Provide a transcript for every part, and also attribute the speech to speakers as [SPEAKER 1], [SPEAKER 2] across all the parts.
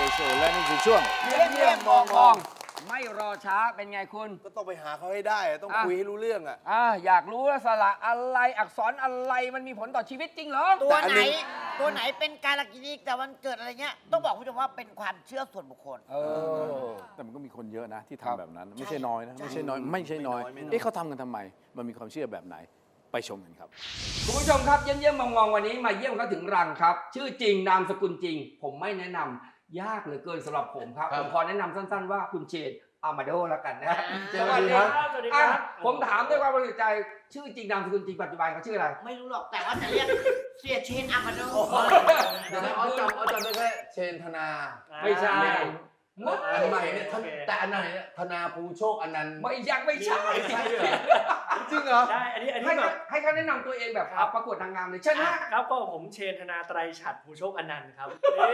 [SPEAKER 1] โชว์และนี่คือช่วง
[SPEAKER 2] เยี่ยมมองไม่รอช้าเป็นไงคุณ
[SPEAKER 3] ก็ต้องไปหาเขาให้ได้ต้องคุยให้รู้เรื่องอ่ะ
[SPEAKER 2] อยากรู้ว่าสระอะไรอักษรอะไรมันมีผลต่อชีวิตจริงเหรอ
[SPEAKER 4] ตัวไหนเป็นการกินีแต่วันเกิดอะไรเงี้ยต้องบอกคุณผู้ชมว่าเป็นความเชื่อส่วนบุคคล
[SPEAKER 1] แต่มันก็มีคนเยอะนะที่ทำแบบนั้นไม่ใช่น้อยนะไม่ใช่น้อยเขาทำกันทำไมมันมีความเชื่อแบบไหนไปชมกันครับ
[SPEAKER 2] คุณผู้ชมครับเยี่ยมมองวันนี้มาเยี่ยมเขาถึงรังครับชื่อจริงนามสกุลจริงผมไม่แนะนำยากเหลือเกินสำหรับผมครับผมขอแนะนำสั้นๆว่าคุณเชนอามาโดแล้วกันนะ
[SPEAKER 4] สวัสดีครับ
[SPEAKER 2] ผมถามด้วยความบริสุทธิ์ใจชื่อจริงนามสกุลจริงปัจจุบันเขาชื่ออะไร
[SPEAKER 4] ไม่รู้หรอกแต่ว่าจะเรียกเสียเชนอามาโด
[SPEAKER 3] เดี๋ยวเอาจำได้แค่เชนธนา
[SPEAKER 2] ไม่ใช่
[SPEAKER 3] อันใหม่เนี่ยแต่อันไหนเนี่ยธนาภูโชคอนันต์
[SPEAKER 2] ไม่ยังไม่ใช่
[SPEAKER 3] จริงเหรอ
[SPEAKER 5] ใช่อันนี้แบบ
[SPEAKER 2] ให้เขาแนะนำตัวเองแบบประกวดนางงามเลยใช่ไหม
[SPEAKER 5] ครับก็ผมเชนธนาไตรฉัตรภูโชคอนันต์ครับ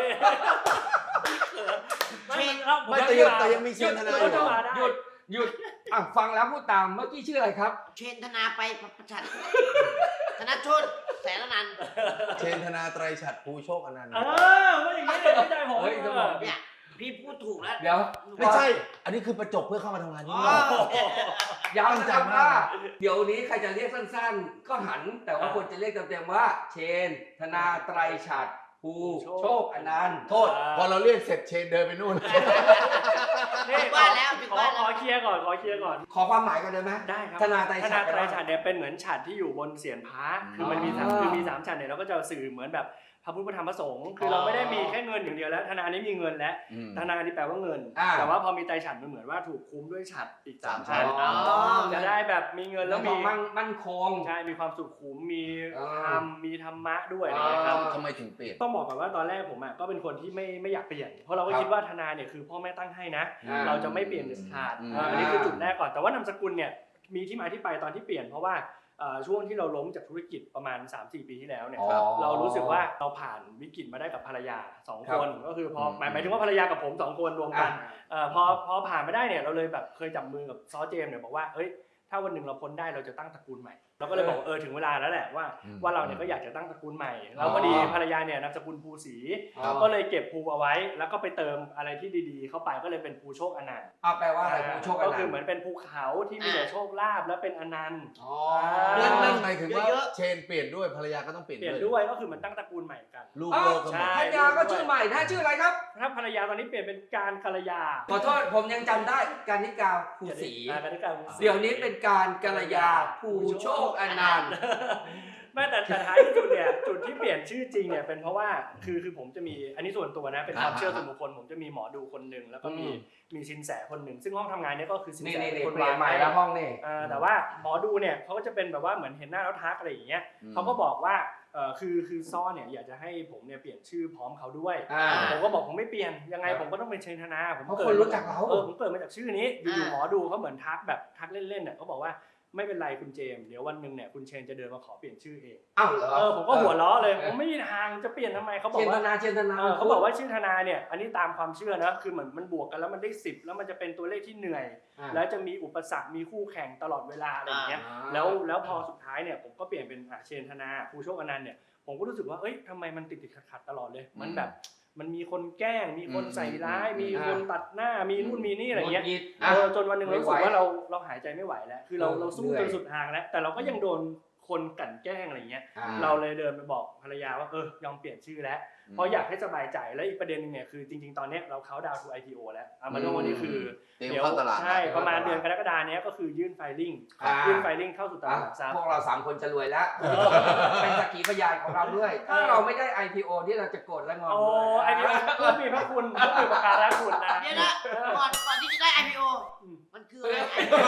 [SPEAKER 3] เชนไม่แต่ยังมีเชนธนา
[SPEAKER 2] หยุดฟังแล้วพูดตามเมื่อกี้ชื่ออะไรครับ
[SPEAKER 4] เชนธนาไปประชันธนชนแสนอนันต์
[SPEAKER 3] เชนธนาไตรฉัตรภูโชคอนันต์
[SPEAKER 5] ไม่อย่างนี้เลยไม่ใจผม
[SPEAKER 4] เนี่ยพี่พูดถูกแล้ว
[SPEAKER 2] เดี๋ยว
[SPEAKER 3] ไม่ใช่อันนี้คือประจบเพื่อเข้ามาทำงานที่นี่
[SPEAKER 2] ย้ำนะครับว่าเดี๋ยวนี้ใครจะเรียกสั้นๆก็หันแต่ว่าควรจะเรียกเต็มๆว่าเชนธนาไตรฉัตรภูโชคอนันต์
[SPEAKER 3] โทษพอเราเรียกเสร็จเชนเดินไปนู่น
[SPEAKER 4] นี่ว่าแล้ว
[SPEAKER 5] ขอเคลียร์ก่อน
[SPEAKER 2] ขอความหมายก่อนได้ไหม
[SPEAKER 5] ได้ครับ
[SPEAKER 2] ธนาไตรฉัตร
[SPEAKER 5] เนี่ยเป็นเหมือนฉัตรที่อยู่บนเศียรพระคือมันมี3ฉัตรเนี่ยเราก็จะสื่อเหมือนแบบพระพุทธพระธรรมพระสงฆ์คือเราไม่ได้มีแค่เงินอย่างเดียวแล้วธนานี้มีเงินแล้วธนานี่แปลว่าเงินแต่ว่าพอมีไตรฉัตรมันเหมือนว่าถูกคุ้มด้วยฉัตรอีก3ฉัตรจะได้แบบมีเงินแล้วมี
[SPEAKER 2] มั่นคง
[SPEAKER 5] ใช่มีความสุขุมมีธรรมมีธรรมะด้วยนะครับ
[SPEAKER 3] ทำไมถึงเปลี่ยน
[SPEAKER 5] ต้องบอกก่อนว่าตอนแรกผมก็เป็นคนที่ไม่อยากเปลี่ยนเพราะเราก็คิดว่าธนาเนี่ยคือพ่อแม่ตั้งให้นะเราจะไม่เปลี่ยนเด็ดขาดอันนี้คือจุดแรกก่อนแต่ว่านามสกุลเนี่ยมีที่มาที่ไปตอนที่เปลี่ยนเพราะว่าช่วงที่เราล้มจากธุรกิจประมาณ 3-4 ปีที่แล้วเนี่ยเรารู้สึกว่าเราผ่านวิกฤตมาได้กับภรรยา2คนก็คือพอหมายถึงว่าภรรยากับผม2คนรวมกันพอผ่านมาได้เนี่ยเราเลยแบบเคยจับมือกับซอเจมเนี่ยบอกว่าเฮ้ยถ้าวันหนึ่งเราพ้นได้เราจะตั้งตระกูลใหม่เราก็เลยบอกถึงเวลาแล้วแหละว่าเราเนี่ยก็อยากจะตั้งตระกูลใหม่แล้วพอดีภรรยาเนี่ยนามสกุลภูศรีก็เลยเก็บภูเอาไว้แล้วก็ไปเติมอะไรที่ดีๆเข้าไปก็เลยเป็นภูโชคอนันต์
[SPEAKER 2] แปลว่าอะไรภูโชคอนันต์
[SPEAKER 5] ก็คือเหมือนเป็นภูเขาที่มีแต่โชคลาภและเป็นอนันต์
[SPEAKER 3] นั่นหมายถึงว่าเชนเปลี่ยนด้วยภรรยาก็ต้องเปลี่ยน
[SPEAKER 5] ด้วยก็คือมันตั้งตระกูลใหม่กัน
[SPEAKER 3] ลูกโลก
[SPEAKER 2] ภรรยาก็ชื่อใหม่ชื่ออะไรครับ
[SPEAKER 5] ถ้าภรรยาตอนนี้เปลี่ยนเป็นการกัลยา
[SPEAKER 2] ขอโทษผมยังจำได้การนิกาภูศรีเดี๋ยวนี้เป็นการกัลยาภูโชคอนันต์
[SPEAKER 5] ไม่แต่ท้ายที่สุดเนี่ยจุดที่เปลี่ยนชื่อจริงเนี่ยเป็นเพราะว่าคือผมจะมีอันนี้ส่วนตัวนะเป็นความเชื่อส่วนบุคคลผมจะมีหมอดูคนหนึ่งแล้วก็มีสินแสคนหนึ่งซึ่งห้องทำงานเนี่ยก็คือสินแส
[SPEAKER 2] คนใหม่แล้วห้องนี่
[SPEAKER 5] แต่ว่าหมอดูเนี่ยเขาก็จะเป็นแบบว่าเหมือนเห็นหน้าแล้วทักอะไรอย่างเงี้ยเขาก็บอกว่าคือซ้อเนี่ยอยากจะให้ผมเนี่ยเปลี่ยนชื่อพร้อมเขาด้วยผมก็บอกผมไม่เปลี่ยนยังไงผมก็ต้องเป็นเชนธนาผม
[SPEAKER 2] เกิดรู้จักเขา
[SPEAKER 5] ผมเกิดมาจากชื่อนี้อยู่หมอดูเขาเหมือนทักแบบทักเล่นๆเนี่ยเขาบอกว่าไม่เป็นไรคุณเจมส์เดี๋ยววันหนึ่งเนี่ยคุณเชนจะเดินมาขอเปลี่ยนชื่อเองผมก็หัวล้อเลยผมไม่มีทางจะเปลี่ยนทำไมเขาบอกว่า
[SPEAKER 2] เชนธนา
[SPEAKER 5] เขาบอกว่าชื่อธนาเนี่ยอันนี้ตามความเชื่อนะคือเหมือนมันบวกกันแล้วมันได้10แล้วมันจะเป็นตัวเลขที่เหนื่อยแล้วจะมีอุปสรรคมีคู่แข่งตลอดเวลาอะไรอย่างเงี้ยแล้วพอสุดท้ายเนี่ยผมก็เปลี่ยนเป็นเชนธนาภูโชคอนันต์เนี่ยผมก็รู้สึกว่าเอ้ยทำไมมันติดขัดตลอดเลยมันแบบมันมีคนแกล้งมีคนใส่ร้ายมีคนตัดหน้ามีนู่นมีนี่อะไรเงี้ยจนวันหนึ่งเรารู้สึกว่าเราหายใจไม่ไหวแล้วคือเราสู้จนสุดทางแล้วแต่เราก็ยังโดนคนกลั่นแกล้งอะไรเงี้ยเราเลยเดินไปบอกภรรยาว่ายอมเปลี่ยนชื่อแล้วเพราะอยากให้สบายใจและอีกประเด็นนึงเนี่ยคือจริงๆตอนนี้เราเข้าดาวน์ทู IPO แล้วมาโน่นี่คือ
[SPEAKER 3] เดี๋ยว
[SPEAKER 5] ใช่ประมาณเดือนกรกฎาคมนี้ก็คือยื่นไฟลิ่งเข้าสู่ตลาดหลักทรัพย์
[SPEAKER 2] พวกเรา3คนจะรวยแล้วเป็นสักขีพยานของเราด้วยถ้าเราไม่ได้ IPO ที่เราจะโกรธและงอนด้วย
[SPEAKER 5] IPO ก็มีพระคุณก็มีประการะคุณนะ
[SPEAKER 4] เดี๋ยวนะก่อนที่จะได้ IPO มันคืออะไร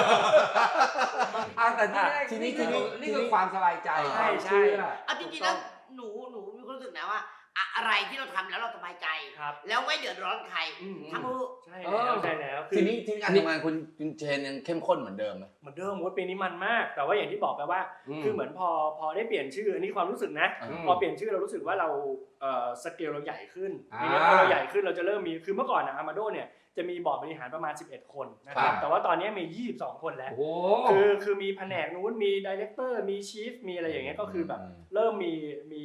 [SPEAKER 2] แต่นี่คือความสบายใจ
[SPEAKER 5] ใช่
[SPEAKER 4] จริงๆแล้วหนูมีความรู้สึกนะว่าอะไรที่เราทำแล้วเราสบายใจแล้วไม่เดือดร้อนใครทำ
[SPEAKER 5] ใช่แล้ว
[SPEAKER 3] ทีนี้การทำงานคุณเชนยังเข้มข้นเหมือนเดิมไหม
[SPEAKER 5] เหมือนเดิมปีนี้มันมากแต่ว่าอย่างที่บอกไปว่าคือเหมือนพอได้เปลี่ยนชื่ออันนี้ความรู้สึกนะพอเปลี่ยนชื่อเรารู้สึกว่าเราสเกลเราใหญ่ขึ้นทีนี้พอเราใหญ่ขึ้นเราจะเริ่มมีคือเมื่อก่อนอามาโดเนี่ยจะมีบอร์ดบริหารประมาณ11คนนะครับแต่ว่าตอนนี้มี22คนแล้ว
[SPEAKER 2] โอ้
[SPEAKER 5] คือมีแผนกนู้นมีดีเรคเตอร์มีชีฟมีอะไรอย่างเงี้ยก็คือแบบเริ่มมี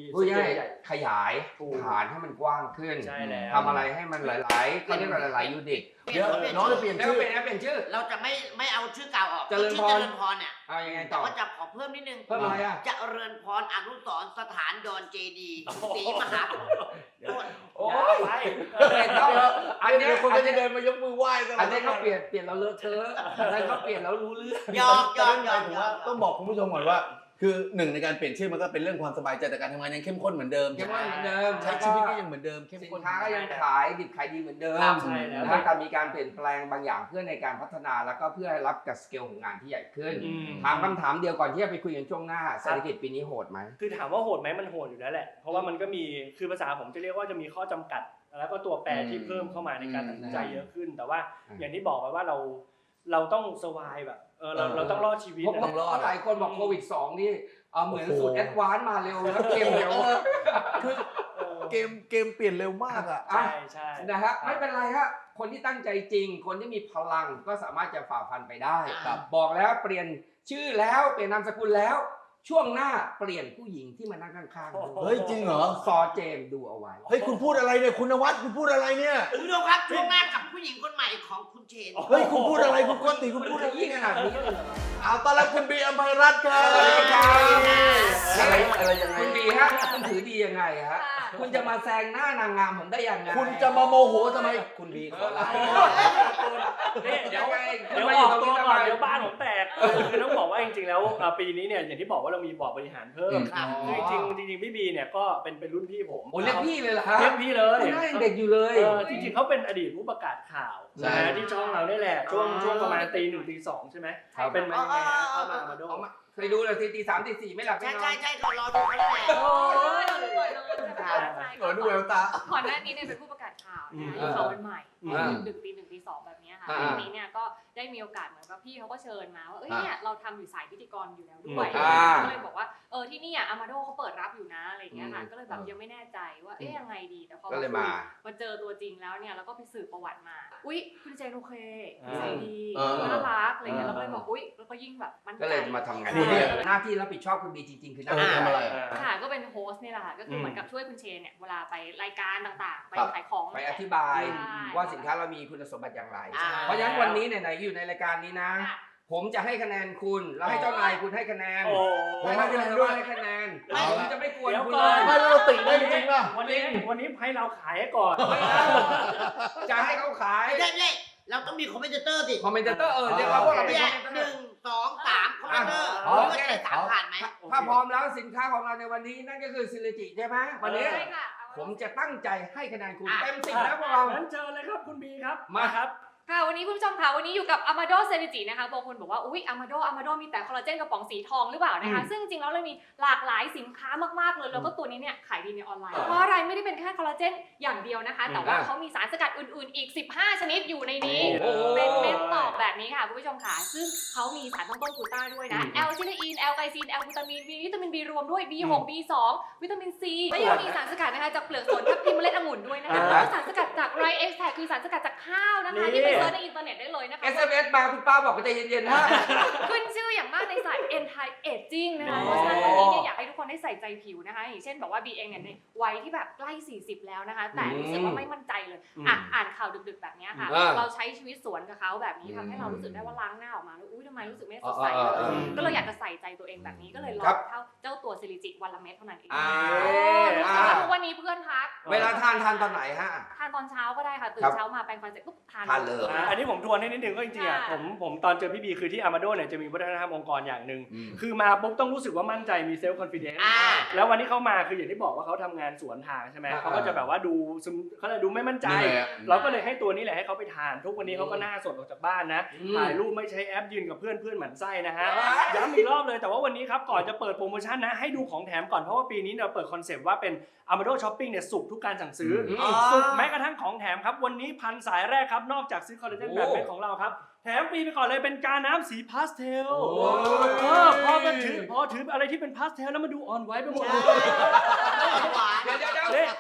[SPEAKER 2] ผู้ใหญ่
[SPEAKER 5] ใหญ่
[SPEAKER 2] ขยายฐานให้มันกว้างขึ้น
[SPEAKER 5] ใช่แล้ว
[SPEAKER 2] ทำอะไรให้มันหลายๆเขาเรียกว่าหลายๆยูนิต
[SPEAKER 4] เดี๋ยว
[SPEAKER 3] น้องจะเปลี่ยน
[SPEAKER 2] แล้ว
[SPEAKER 3] ชื่อ
[SPEAKER 2] เป็นชื่อ
[SPEAKER 4] เราจะไม่เอาชื่อเก่าออก
[SPEAKER 2] เจริญพร
[SPEAKER 4] ชื่อเจริญพรเนี่ย
[SPEAKER 2] เอายังไง
[SPEAKER 4] แต่
[SPEAKER 2] ต่อ
[SPEAKER 4] ว่าจะขอเพิ่มนิดนึง
[SPEAKER 2] เพิ่มอะไรอ่ะ
[SPEAKER 4] เจริญพรอนุสรณ์สถานดอนเจดีย์ศรีมหาโพธิ์
[SPEAKER 2] โอ้
[SPEAKER 5] ๆ
[SPEAKER 2] ย
[SPEAKER 5] ไป
[SPEAKER 2] อันเนี้ย
[SPEAKER 3] คนก็จะเดินมายกมือไหว้กัน
[SPEAKER 2] อันนี้เขาเปลี่ยนเราเลอะเทอะอันนั้นเขาเปลี่ยนแล้วรู้เรื่อง
[SPEAKER 4] ยอมยอมยอม
[SPEAKER 3] ผมว่าต้องบอกคุณผู้ชมก่อนว่า คือหนึ่งในการเปลี่ยนชื่อมันก็เป็นเรื่องความสบายใจแต่การทำงานยังเข้มข้นเหมือนเดิม
[SPEAKER 2] เข้มข้นเหมือนเดิม
[SPEAKER 3] ใช้ชีวิตก็ยังเหมือนเดิมเข้ม
[SPEAKER 2] สิน
[SPEAKER 3] ข้น
[SPEAKER 2] ค้าก็ยังขายดิบขายดีเหมือนเดิม
[SPEAKER 5] ใช่แล้ว
[SPEAKER 2] นะแต่มีการเปลี่ยนแปลงบางอย่างเพื่อในการพัฒนาแล้วก็เพื่อให้รับกับสเกลของงานที่ใหญ่ขึ้น ถามคำถามเดียวก่อนที่จะไปคุยกันช่วงหน้าเศรษฐกิจปีนี้โหดไหม
[SPEAKER 5] คือถามว่าโหดไหมมันโหดอยู่แล้วแหละเพราะว่ามันก็มีคือภาษาผมจะเรียกว่าจะมีข้อจำกัด แล้วก็ตัวแปรที่เพิ่มเข้ามาในการตัดสินใจเยอะขึ้น แต่ว่าอย่างที่บอกไปว่าเราต้องสวายแบบเราต้องรอดชีวิต
[SPEAKER 2] เพราะหลายคนบอกโควิด 2 นี่เหมือนสูตรแอดวานซ์มาเร็วแล้วเกมเร็ว
[SPEAKER 3] คือเกมเปลี่ยนเร็วมากอ่ะ
[SPEAKER 5] ใช่ใช่
[SPEAKER 2] นะฮะไม่เป็นไรฮะคนที่ตั้งใจจริง คนที่มีพลังก็สามารถจะฝ่าฟันไปได้
[SPEAKER 3] ครับ
[SPEAKER 2] บอกแล้วเปลี่ยนชื่อแล้วเปลี่ยนนามสกุลแล้ว ช่วงหน้าเปลี่ยนผู้หญิงที่มานั่งข้างๆด้วย
[SPEAKER 3] เฮ้ยจริงเหรอ
[SPEAKER 2] ซอเจมส์ดูเอาไว้
[SPEAKER 3] เฮ้ยคุณพูดอะไรเนี่ยคุณนวัดคุณพูดอะไรเนี่ย
[SPEAKER 4] คุณผู้ชมครับช่วงหน้ากับผู้หญิงคนใหม่ของคุณเชน
[SPEAKER 3] เฮ้ยคุณพูดอะไรคุณโกติคุณพูดอะไร
[SPEAKER 2] ยิ่งขนาดนี้เลยเหรอ
[SPEAKER 3] เอาตอนรับคุณบีอัมภัยรัตน์ครับ
[SPEAKER 2] สวัสดีครับ
[SPEAKER 3] อะไรยังไง
[SPEAKER 2] คุณดีฮะคุณถือดียังไงฮะคุณจะมาแซงหน้านางงามผมได้ยังไง
[SPEAKER 3] คุณจะมาโมโหทำไมคุณบีขอลา
[SPEAKER 5] นี่เดี๋ยว
[SPEAKER 2] ยังไง
[SPEAKER 5] เดี๋ยว
[SPEAKER 2] มา
[SPEAKER 5] อ
[SPEAKER 2] อยู่
[SPEAKER 5] อก
[SPEAKER 2] ตรง
[SPEAKER 5] ตัว
[SPEAKER 2] นี้ทำ
[SPEAKER 5] ก่
[SPEAKER 2] ไม
[SPEAKER 5] อนเดี๋ยวบ้านผมแตกคือต้องบอกว่าจริงๆแล้วปีนี้เนี่ยอย่างที่บอกว่าเรามีบอร์ดบริหารเพิ่ม
[SPEAKER 4] ครับ
[SPEAKER 5] คือจริงๆพี่บีเนี่ยก็เป็นรุ่นพี่ผม
[SPEAKER 2] โอ้เรียกพี่เลยเหรอฮะ
[SPEAKER 5] เรียกพี่เลย
[SPEAKER 2] คุณน่ายังเด็กอยู่เลย
[SPEAKER 5] จริงๆเขาเป็นอดีตผู้ประกาศข่าว
[SPEAKER 3] ใช่
[SPEAKER 5] นะที่ช่องเราได้แหละช่วงประมาณตี 1ตี 2ใช่ไหม
[SPEAKER 2] ครับ
[SPEAKER 5] เป็นมายังไงฮะเข้ามาโด
[SPEAKER 2] เอามาเคยดูเลยตี 3 ตี 4ไม่หลับไม่
[SPEAKER 4] ใช่
[SPEAKER 2] นอน
[SPEAKER 4] ใช่ก็รอดูเขาแหละ
[SPEAKER 6] โอ้ยเราด้วยเลยใช่
[SPEAKER 3] เออดูแววตา
[SPEAKER 6] ก่อนหน้านี้เนี่ยเป็นผู้ประกาศข่าวนะข่าววันใหม่ดึกตี 1ตี 2แบบนี้ค่ะทีนี้เนี่ยก็ได้มีโอกาสเหมือนกับพี่เขาก็เชิญมาว่าเนี่ยเราทำอยู่สายพิธีกรอยู่แล้วด้วยก็เลยบอกว่าที่นี่อามาโดเขาเปิดรับอยู่นะอะไรอย่างเงี้ยค่ะก็เลยแบบยังไม่แน่ใจว่ายังไงดีแต่พอมาเจอตัวจริงแล้วเนี่ยแล้วก็ไปสืบประวัติมาอุ๊ยคุณเจนโอเคนิสัยดีน่ารักอะไรเงี้ยแล้วก็เลยบอกอุ๊ยแล้วก็ยิ่งแบบมั่นใจ
[SPEAKER 2] ก็เลยมาทำงานหน้าที่รับผิดชอบคุณบีจริงๆคือหน้า
[SPEAKER 3] ทำอะไร
[SPEAKER 6] ค่ะก็เป็นโฮสต์นี่แหละค่ะก็คือเหมือนกับช่วยคุณเชนเนี่ยเวลาไปรายการต่างๆ ไปขายของ
[SPEAKER 2] ไปอธิบายว่าสินค้าเรามีคุณสมบัติอย่างไร เพราะฉะนั้นวันนี้ไหนๆอยู่ในรายการนี้นะ ผมจะให้คะแนนคุณแล้วให้เจ้านายคุณให้คะแนน ผมให้คะแนนด้วยให้คะแนนผมจะไม่กวนคุณเลย
[SPEAKER 3] ไม่แล้วเราติได้จริงๆป่ะ
[SPEAKER 5] วันนี้ให้เราขายให้ก่อน
[SPEAKER 2] จะให้เขาขาย
[SPEAKER 4] ไม่ใช่ไม่ใช่เราต้องมีคอมเมนเตอร์สิ
[SPEAKER 2] คอมเมนเตอร์เดี๋ยวเราพวกเราเป็น
[SPEAKER 4] เนี่
[SPEAKER 2] ค
[SPEAKER 4] ย
[SPEAKER 2] อมเมนเตอ
[SPEAKER 4] 1
[SPEAKER 2] ร์
[SPEAKER 4] 2 3คอมเมนเตอร์
[SPEAKER 2] โอ
[SPEAKER 4] ว่า
[SPEAKER 2] เค
[SPEAKER 4] จะได้3ผ่านไหม
[SPEAKER 2] ถ้าพร้อมแล้วสินค้าของเราในวันนี้นั่นก็คือซิลิจิใช่ไหมวันนี้
[SPEAKER 6] ใช่ค่ะ
[SPEAKER 2] ผมจะตั้งใจให้คะแนนคุณเต็ม10แล้วพวกเรา
[SPEAKER 5] งั้นเชิญเลยครับคุณบีครับ
[SPEAKER 2] มา
[SPEAKER 5] ครับ
[SPEAKER 6] ค่ะวันนี้คุณผู้ชมค่ะวันนี้อยู่กับ Amado Celici นะคะบางคนบอกว่าอุ๊ย Amado มีแต่คอลลาเจนกระป๋องสีทองหรือเปล่านะคะซึ่งจริงๆแล้วเรามีหลากหลายสินค้ามากๆเลยแล้วก็ตัวนี้เนี่ยขายดีในออนไลน์เพราะอะไรไม่ได้เป็นแค่คอลลาเจนอย่างเดียวนะคะแต่ว่าเขามีสารสกัดอื่นๆอีก15ชนิดอยู่ในนี้เป็นเม็ดตอกแบบนี้ค่ะคุณผู้ชมค่ะซึ่งเขามีสารตั้งต้นกลูต้าด้วยนะแอลซิลีนแอลไกซีนแอลกลูตามีนมีวิตามิน B รวมด้วย B6 B2 วิตามิน C และยังมีสารสกัดนะคะจากเปลือกสนทับทิมเมล็ดองุ่นด้วยนะคะแล้วก็สารสกัดจากไรเอ็กซ์แทคือสารสกัดจากข้าวนะคะที่ไปเซิร์ชในอินเทอร์เน็ตได้เลยนะคะ
[SPEAKER 2] SMS มาคุณป้าบอกว่าใจเย็นๆนะ
[SPEAKER 6] ขึ้นชื่ออย่างมากในสาย anti aging นะคะเพราะฉะนั้นวันนี้เนี่ยอยากให้ทุกคนได้ใส่ใจผิวนะคะอย่างเช่นบอกว่าบีเองเนี่ยในวัยที่แบบใกล้40แล้วนะคะแต่รู้สึกว่าไม่มั่นใจเลยอ่านข่าวดึกๆแบบนี้ค่ะเราใช้ชีวิตสวนกับเขาแบบนี้ทำให้เรารู้สึกได้ว่าล้างหน้าออกมาแล้วอุ้ยทำไมรู้สึกไม่สดใสเลยก็เลยอยากจะใส่ใจตัวเองแบบนี้ก็เลยลองเจ้าตัวซิลิจิวันละเม็ดเท่านั้นเองทุกวันนี้เพื่อนทัก
[SPEAKER 2] เวลาทานตอนไหนฮะ
[SPEAKER 6] ทานตอนเช้าก็ได้ค่ะตื่นเช้ามาแปรงฟันเสร็จปุ๊บทาน
[SPEAKER 2] เลย
[SPEAKER 5] อันนี้ผมทวนให้นิดนึงก็จริงๆอ่ะผมตอนเจอพี่บีคือที่อามาโดเนี่ยจะมีวัฒนธรรมองค์กรอย่างหนึ่งคือมาปุ๊บต้องรู้สึกว่ามั่นใจมีเซลฟ์คอนฟิเดนซ์แล้ววันที่เขามาคืออย่างที่บอกว่าเขาทำงานสวนทางใช่ไหมเขาก็จะแบบว่าดูซึมเขาเลยดูไม่มั่นใจ เราก็เลยให้ตัวนี้แหละให้เขาไปทานทุกวันนี้เขาก็หน้าสดออกจากบ้านนะถ่ายรูปไม่ใช้แอปยืนกับเพื่อนหมั่นไส้นะฮะย้ำอีกรอบเลยแต่ว่าวันนี้ครับก่อนจะเปิดโปรโมชั่นนะให้ดูของแถมก่อนเพราะว่าปีนี้เราเปิดคอนเซปต์ว่าเป็น Amado Shopping เนี่ยสุกทุกการสั่งซื้อสุกแม้กระทั่งของแถมครับวันนี้1,000 สายแรกครับนอกจากซื้อคอลลาเจนแบบเม็ดของเราครับแถมฟรีไปก่อนเลยเป็นกาน้ำสีพาสเทลพอถืออะไรที่เป็นพาสเทลแล้วมาดูอ่อนไหวไปหมดเลย
[SPEAKER 2] เดี๋ยว
[SPEAKER 5] ครับ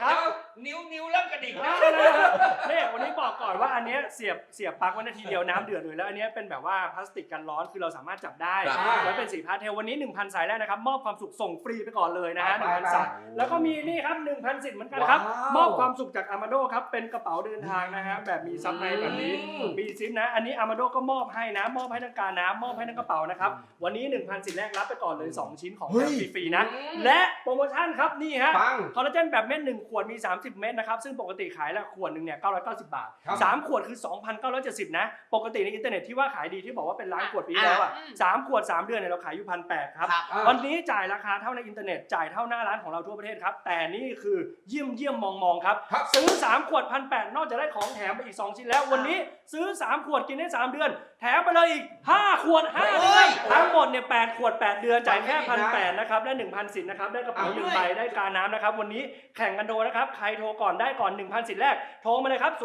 [SPEAKER 2] นิ้วเริ่มกระดิกแล้ว
[SPEAKER 5] เนี่ยวันนี้บอกก่อนว่าอันเนี้ยเสียบปลั๊กไว้นาทีเดียวน้ำเดือดเลยแล้วอันเนี้ยเป็นแบบว่าพลาสติกกันร้อนคือเราสามารถจับได้
[SPEAKER 3] ครับ
[SPEAKER 5] แล้วเป็นสีพาสเทลวันนี้ 1,000 สายแรกนะครับมอบความสุขส่งฟรีไปก่อนเลยนะฮะ
[SPEAKER 2] ไป
[SPEAKER 5] 1,000 สายแล้วก็มีนี่ครับ 1,000 สิทธิ์เหมือนกันครับ
[SPEAKER 2] ว้าว
[SPEAKER 5] มอบความสุขจากอามาโดครับเป็นกระเป๋าเดินทางนะฮะแบบมีซับในแบบนี้มีซิปนะอันนี้อามาโดก็มอบให้นะมอบให้ทั้งการน้ำมอบให้ทั้งกระเป๋านะครับวันนี้ 1,000 สิทธิ์แรกรับไปก่อนเลย2ชิ้นของแถมฟรีๆนะและโปรโมชั่นครับนี่ฮะ
[SPEAKER 2] ปัง
[SPEAKER 5] คอลลาเจนแบบเม็ด1ขวดมี30 เม็ดนะครับซึ่งปกติขายละขวดหนึ่งเนี่ย990 บาท
[SPEAKER 2] ครับ
[SPEAKER 5] 3ขวดคือ 2,970 นะปกติในอินเทอร์เน็ตที่ว่าขายดีที่บอกว่าเป็นล้านขวดปีที่แล้วอ่ะ3ขวด 3 เดือนเนี่ยเราขายอยู่ 1,800 ครับ
[SPEAKER 4] ครับ
[SPEAKER 5] วันนี้จ่ายราคาเท่าในอินเทอร์เน็ตจ่ายเท่าหน้าร้านของเราทั่วประเทศครับแต่นี่คือเยี่ยมมองครับ
[SPEAKER 2] ครับ
[SPEAKER 5] ซื้อ3ขวด 1,800 นอกจากได้ของแถมไปอีก2ชิ้นแล้ววันนี้ซื้อ3ขวดกินได้3เดือนแถมไปเลยอีก5ขวด5เดือนทั้งหมดเนี่ย8ขวด8เดือนจ่ายแค่ 1,800 นะครับได้ 1,000 สิทธิ์นะครับได้กระเป๋า1ใบได้กาน้ำนะครับวันนี้แข่งกันโทรนะครับใครโทรก่อนได้ก่อน 1,000 สิทธิ์แรกโทรมาเลยครับ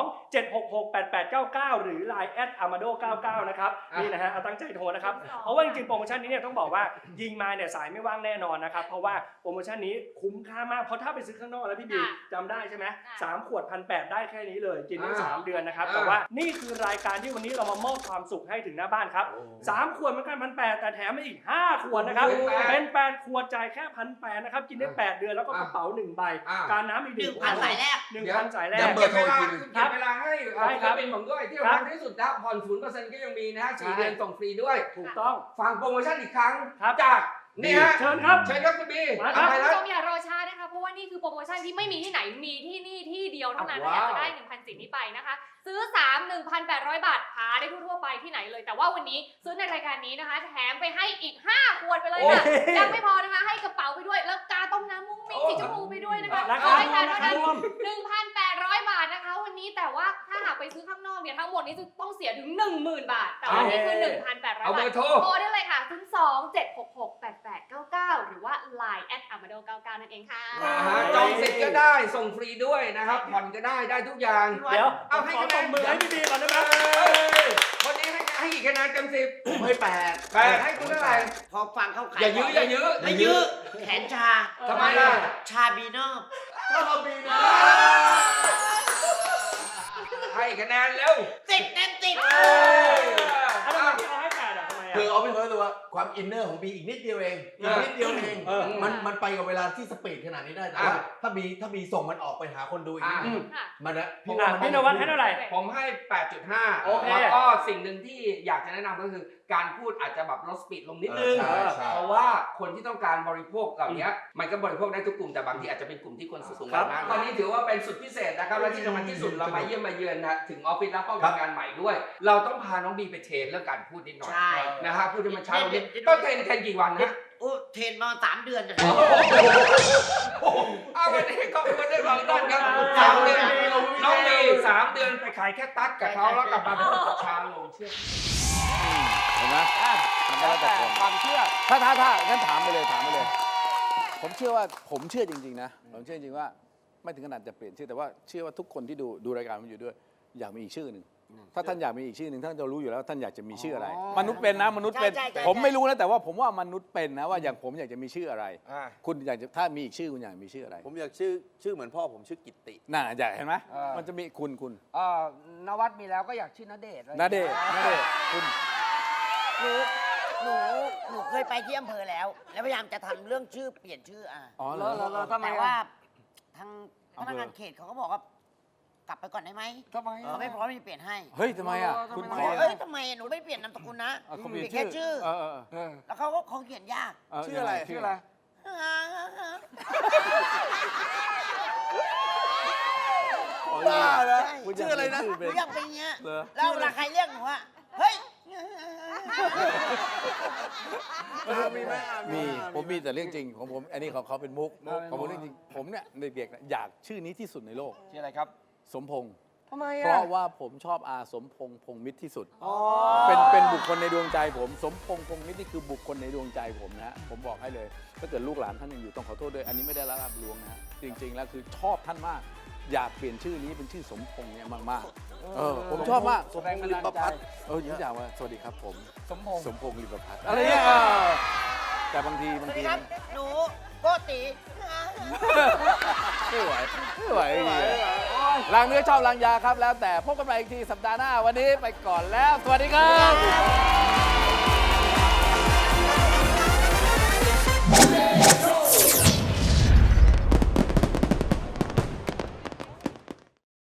[SPEAKER 5] 02-766-8899 หรือ Line @amado99 นะครับนี่นะฮะเอาตั้งใจโทรนะครับเพราะว่าจริงๆโปรโมชั่นนี้เนี่ยต้องบอกว่ายิงมาเนี่ยสายไม่ว่างแน่นอนนะครับเพราะว่าโปรโมชั่นนี้คุ้มค่ามากเพราะถ้าไปซื้อข้างนอกแล้วพี่บีจำได้ใช่ไหม3ขวด 1,800 ได้แค่นี้เลยกินได้3เดือนนะครับแต่ว่านี่คือรายการที่วันนี้เรามามอบความสุขให้ถึงหน้าบ้านครับ3ขวดเหมือนกัน 1,800 แต่แถมมาอีก5ขวดนะครับเป็น8ขวดจ่ายแค่ 1,800 นะครับกินได้8เดือนแล้วก็กระเป๋า1ใบการน้ำอีก
[SPEAKER 4] 1,000 สายแรก
[SPEAKER 5] 1,000 สายแรก
[SPEAKER 3] ย้ำเบอร์โทรอีกทีหนึง
[SPEAKER 2] เก็บเวลาให้
[SPEAKER 5] ได้ครับ
[SPEAKER 2] เป็นผมด้วยที่สำคัญที่สุดนะผ่อน 0% ก็ยังมีนะ4เดือนส่งฟรีด้วย
[SPEAKER 5] ถูกต้อง
[SPEAKER 2] ฟังโปรโมชั่นอีกครั้ง
[SPEAKER 5] ครับ
[SPEAKER 2] จากนี่ฮะ
[SPEAKER 5] เชิญครับ
[SPEAKER 2] เชิญครับคุณบี
[SPEAKER 5] มาครับ
[SPEAKER 2] ไป
[SPEAKER 6] คุณ
[SPEAKER 2] แล้ว
[SPEAKER 6] ผู้ชมอย่ารอช้านะคะเพราะว่านี่คือโปรโมชั่นที่ไม่มีที่ไหนมีที่นี่ที่เดียวเท่านั้นถ้าอยากจะได้ 1,000 สิทธิ์นี้ไปนะคะซื้อ 3 1,800 บาทหาได้ทั่วๆไปที่ไหนเลยแต่ว่าวันนี้ซื้อในรายการนี้นะคะแถมไปให้อีก5ขวดไปเลยค่ะยังไม่พอนะคะให้กระเป๋าไปด้วยแล้วกาต้มน้ำมุ้งมิ้งสีชมพูไปด้วยนะคะ
[SPEAKER 5] ราคา
[SPEAKER 6] ให้การ
[SPEAKER 5] รา
[SPEAKER 6] เท่า
[SPEAKER 5] คา
[SPEAKER 6] นั้น
[SPEAKER 5] รวม
[SPEAKER 6] 1,800 บาทนะคะวันนี้แต่ว่าถ้าหากไปซื้อข้างนอกเนี่ยทั้งหมดนี้จะต้องเสียถึง 10,000 บาท แต่วันนี้คือ 1,800
[SPEAKER 2] เอาเบบ
[SPEAKER 6] า
[SPEAKER 2] อ
[SPEAKER 6] ท
[SPEAKER 2] ร์โทร
[SPEAKER 6] โทรได้เลยค่ะ 02-766-8899 หรือว่า Line @amado99 นั่นเองค่ะ
[SPEAKER 2] จองสิทธิ์ก็ได้ส่งฟรีด้วยนะครับผ่อนก็ได้ทุกอย่าง
[SPEAKER 5] เดี๋ยว
[SPEAKER 2] เอาให้
[SPEAKER 5] ขอ
[SPEAKER 2] คะแน
[SPEAKER 5] ตบ
[SPEAKER 2] น
[SPEAKER 5] มือให้พี่บีก่อนได้ไหม
[SPEAKER 2] วันนี้ให้กี่คะแนนเต็ม10
[SPEAKER 3] ผมให้8
[SPEAKER 2] 8ให้คุณเท่าไหร่
[SPEAKER 4] พอฟังเข้าขาย
[SPEAKER 2] อย่ายื้ออย่ายื้อ
[SPEAKER 4] ไม่ยื้อแขนชา
[SPEAKER 2] ทำไมล่ะ
[SPEAKER 4] ชาบีเนอร์
[SPEAKER 3] ก็เรามีนะ
[SPEAKER 2] ให้คะแนนเร็ว
[SPEAKER 4] 10 เต็ม 10
[SPEAKER 5] ทำไมพี่เอาให้8อ่ะทำไมอ่ะ
[SPEAKER 3] คือเอาเป็นคนรู้ตัวว่าความอินเนอร์ของบีอีกนิดเดียวเองอีกนิดเดียวเอง มันไปกับเวลาที่สปีดขนาดนี้ได้แต่ว่าถ้าบีส่งมันออกไปหาคนดูอีกนิดนึง
[SPEAKER 6] ค่ะ
[SPEAKER 3] มันนะ
[SPEAKER 5] พี่นวัดให้เท่าไหร่
[SPEAKER 2] ผมให้ 8.5
[SPEAKER 5] โอเค
[SPEAKER 2] แล้วก็สิ่งหนึ่งที่อยากจะแนะนำก็คือการพูดอาจจะแบบลดสปีดลงนิดนึง
[SPEAKER 3] ใช่ใช่
[SPEAKER 2] เพราะว่าคนที่ต้องการบริโภคเหล่านี้มันก็บริโภคได้ทุกกลุ่มแต่บางทีอาจจะเป็นกลุ่มที่คนสูงวัยมากวันนี้ถือว่าเป็นสุดพิเศษนะครับและที่สำคัญที่สุดเรามาเยี่ยมมาเยือนนะถึงออฟฟิศและห้องทำงานใหม่ด้วย เราต้องพาน้องบีไปเทรนเรื่องการพูดนิดหน่อย
[SPEAKER 4] ใช่
[SPEAKER 2] นะฮะพูดให้มันช้าลงนิดต้องเทรนกี่วันนะ
[SPEAKER 4] โอ้เทรนมา3 เดือนจะ
[SPEAKER 2] เอาวันนี้ขอบคุณด้วยบางท่านครับ3 เดือนน้องบี3 เดือนไปขายแค่ตัดกับเขาแล้วกลับมาเป็นช้าลงเชื่อ
[SPEAKER 1] เห็นไหมมันก็แล้วแต่คน
[SPEAKER 2] ความเชื่อ
[SPEAKER 1] ถ้างั้นถามไปเลย ผมเชื่อว่าผมเชื่อจริงๆนะผมเชื่อจริงๆว่าไม่ถึงขนาดจะเปลี่ยนชื่อแต่ว่าเชื่อว่าทุกคนที่ดูรายการมันอยู่ด้วยอยากมีอีกชื่อหนึ่งถ้าท่านอยากมีอีกชื่อหนึ่งท่านจะรู้อยู่แล้วท่านอยากจะมีชื่ออะไร มนุษย์เป็นนะมนุษย์เป็น
[SPEAKER 4] ใช่
[SPEAKER 1] ผมไม่รู้นะแต่ว่าผมว่ามนุษย์เป็นนะว่าอย่างผมอยากจะมีชื่ออะไร คุณอยากจะถ้ามีอีกชื่อคุณอยากมีชื่ออะไร
[SPEAKER 3] ผมอยากชื่อเหมือนพ่อผมชื่อกิตติ
[SPEAKER 1] น่าอยากเห็นไหมมันจะมีคุณ
[SPEAKER 2] นวัดมีแล้วก็อยากชื่อณเดชน์
[SPEAKER 1] ณเดชน์คุณ
[SPEAKER 4] หนูเคยไปที่อำเภอแล้ว แล้วพยายามจะทำเรื่องชื่อเปลี่ยนชื่ออ่ะ
[SPEAKER 1] อ๋อเหรอ
[SPEAKER 4] แต่ว่าทางพนักงานเขตเขาก็บอกว่ากลับไปก่อนได้ไหม
[SPEAKER 2] ทำไม
[SPEAKER 4] ไม่พร้อมที่จะเปลี่ยนให้
[SPEAKER 1] เฮ้ยทำไมอ่ะคุณขอ
[SPEAKER 4] เอ้ยทำไมหนูไม่เปลี่ยนนามสกุลนะ
[SPEAKER 1] เขา
[SPEAKER 4] เป
[SPEAKER 1] เปลี่
[SPEAKER 4] ลี่
[SPEAKER 1] ย
[SPEAKER 4] ย
[SPEAKER 1] น
[SPEAKER 4] น
[SPEAKER 1] ชื่
[SPEAKER 4] แค่
[SPEAKER 1] อ
[SPEAKER 4] ชื่อ แล้วเขาเขียนยาก
[SPEAKER 1] ชื่ออะไร
[SPEAKER 3] บ้าเหรอ
[SPEAKER 1] คุณ
[SPEAKER 3] ชื่ออะไรนะ
[SPEAKER 4] หนูอยากเป็นอย่างเงี้ย
[SPEAKER 1] เหรอ
[SPEAKER 4] แล้วเวลาใครเรียกหนูอะเฮ้ย
[SPEAKER 1] มีผมมีแต่เรื่องจริงของผมอันนี้ของเขาเป็นมุกของผมเรื่องจริงผมเนี่ยเด็กๆอยากชื่อนี้ที่สุดในโลก
[SPEAKER 2] ชื่ออะไรครับ
[SPEAKER 1] สมพงษ์
[SPEAKER 2] ทำไม
[SPEAKER 1] เพราะว่าผมชอบอาสมพงษ์พงษ์มิตรที่สุดเป็นบุคคลในดวงใจผมสมพงษ์พงษ์มิตรนี่คือบุคคลในดวงใจผมนะฮะผมบอกให้เลยถ้าเกิดลูกหลานท่านยังอยู่ต้องขอโทษด้วยอันนี้ไม่ได้ละลาบลวงนะฮะจริงๆแล้วคือชอบท่านมาก อยากเปลี่ยนชื่อนี้เป็นชื่อสมพงษ์เนี่ยมากๆผมชอบมาก
[SPEAKER 3] สมพงษ์ลิปพัฒน์
[SPEAKER 1] ยิ่งอยากว่าสวัสดีครับผม
[SPEAKER 2] สมพงษ์
[SPEAKER 1] สมพงษ์ลิปพัฒน์อะไรเนี่ยแต่บางที
[SPEAKER 4] สวัสดีครับ หนูโกติ
[SPEAKER 1] ไม่ไหวไม่ไหวล้างเนื้อชอบล้างยาครับแล้วแต่พบกันใหม่อีกทีสัปดาห์หน้าวันนี้ไปก่อนแล้วสวัสดีครับ